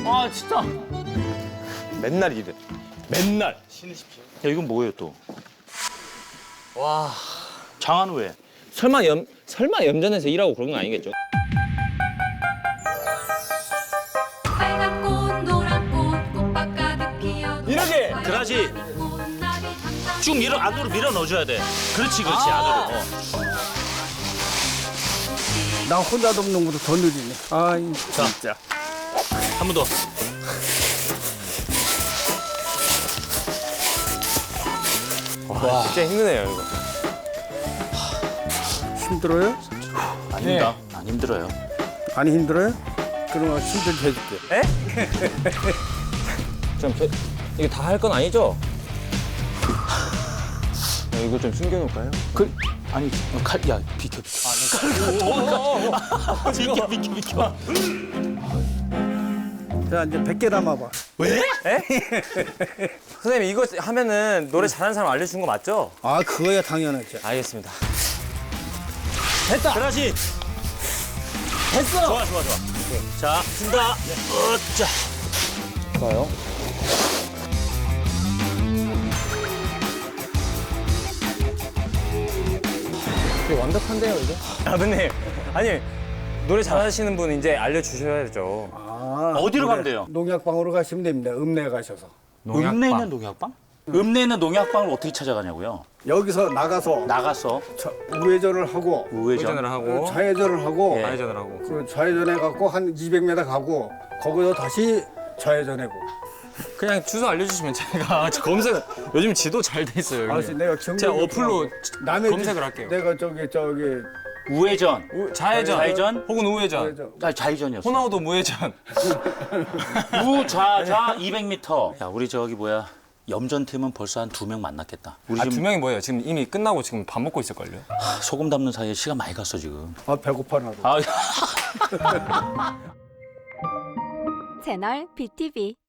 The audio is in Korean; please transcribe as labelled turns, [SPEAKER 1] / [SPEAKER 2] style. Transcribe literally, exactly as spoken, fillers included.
[SPEAKER 1] 아 진짜.
[SPEAKER 2] 맨날 이래.
[SPEAKER 1] 맨날.
[SPEAKER 3] 야 이건 뭐예요 또?
[SPEAKER 1] 와.
[SPEAKER 3] 장한 왜?
[SPEAKER 2] 설마 염 설마 염전에서 일하고 그런 건 아니겠죠?
[SPEAKER 4] 빨간 꽃 노란 꽃 꽃밭 가득 피어도
[SPEAKER 1] 이렇게.
[SPEAKER 3] 그러지. 쭉 밀어 안으로 밀어 넣어줘야 돼. 그렇지 그렇지
[SPEAKER 1] 아.
[SPEAKER 3] 안으로. 어.
[SPEAKER 5] 나 혼자 돕는 것보다 더 느리네. 아이, 진짜.
[SPEAKER 3] 한 번 더.
[SPEAKER 2] 와, 진짜 힘드네요 이거.
[SPEAKER 5] 힘들어요?
[SPEAKER 3] 아닙니다. 안 힘들어요.
[SPEAKER 5] 안 힘들어요? 그러면 힘들게 해줄게.
[SPEAKER 2] 좀 저, 이거 다 할 건 아니죠? 야, 이거 좀 숨겨놓을까요?
[SPEAKER 3] 그 아니 칼 야 비켜 비켜. 아, 비켜 비켜 비켜.
[SPEAKER 5] 자, 이제 백 개 담아봐.
[SPEAKER 2] 선생님 이거 하면은 노래 잘하는 사람 알려준 거 맞죠?
[SPEAKER 5] 아, 그거야 당연하죠.
[SPEAKER 2] 알겠습니다.
[SPEAKER 3] 그렇지.
[SPEAKER 2] 됐어!
[SPEAKER 3] 좋아 좋아 좋아. 자 쓴다. 어짜.
[SPEAKER 2] 좋아요. 이거 완벽한데요 이거? 아버님 아니 노래 잘하시는 분 이제 알려주셔야죠.
[SPEAKER 5] 아,
[SPEAKER 3] 어디로
[SPEAKER 5] 그래.
[SPEAKER 3] 가면 돼요?
[SPEAKER 5] 농약방으로 가시면 됩니다. 읍내 가셔서.
[SPEAKER 3] 읍내 있는 농약방? 읍내 있는 농약방을 어떻게 찾아가냐고요?
[SPEAKER 5] 여기서 나가서
[SPEAKER 3] 나가서
[SPEAKER 5] 자, 우회전을 하고
[SPEAKER 3] 우회전.
[SPEAKER 2] 하고
[SPEAKER 5] 좌회전을 하고
[SPEAKER 3] 예.
[SPEAKER 2] 좌회전을 하고
[SPEAKER 5] 그 좌회전해 갖고 한 이백 미터 가고 거기서 다시 좌회전하고.
[SPEAKER 2] 그냥 주소 알려주시면 제가 검색 요즘 지도 잘 돼 있어요.
[SPEAKER 5] 알았어, 내가 경력
[SPEAKER 2] 제가 어플로
[SPEAKER 5] 남의
[SPEAKER 2] 검색을
[SPEAKER 5] 집-
[SPEAKER 2] 할게요.
[SPEAKER 5] 내가 저기 저기
[SPEAKER 3] 우회전.
[SPEAKER 2] 우, 좌회전,
[SPEAKER 3] 좌회전?
[SPEAKER 2] 혹은 우회전,
[SPEAKER 5] 좌회전.
[SPEAKER 3] 아 좌회전이었어.
[SPEAKER 2] 호나우도 무회전.
[SPEAKER 3] 우좌좌 이백 미터. 야 우리 저기 뭐야 염전 팀은 벌써 한 두 명 만났겠다. 우리
[SPEAKER 2] 아 두
[SPEAKER 3] 지금
[SPEAKER 2] 명이 뭐예요? 지금 이미 끝나고 지금 밥 먹고 있을걸요?
[SPEAKER 3] 소금 담는 사이에 시간 많이 갔어 지금.
[SPEAKER 5] 아 배고파 나도.
[SPEAKER 3] 아
[SPEAKER 6] 채널 비티비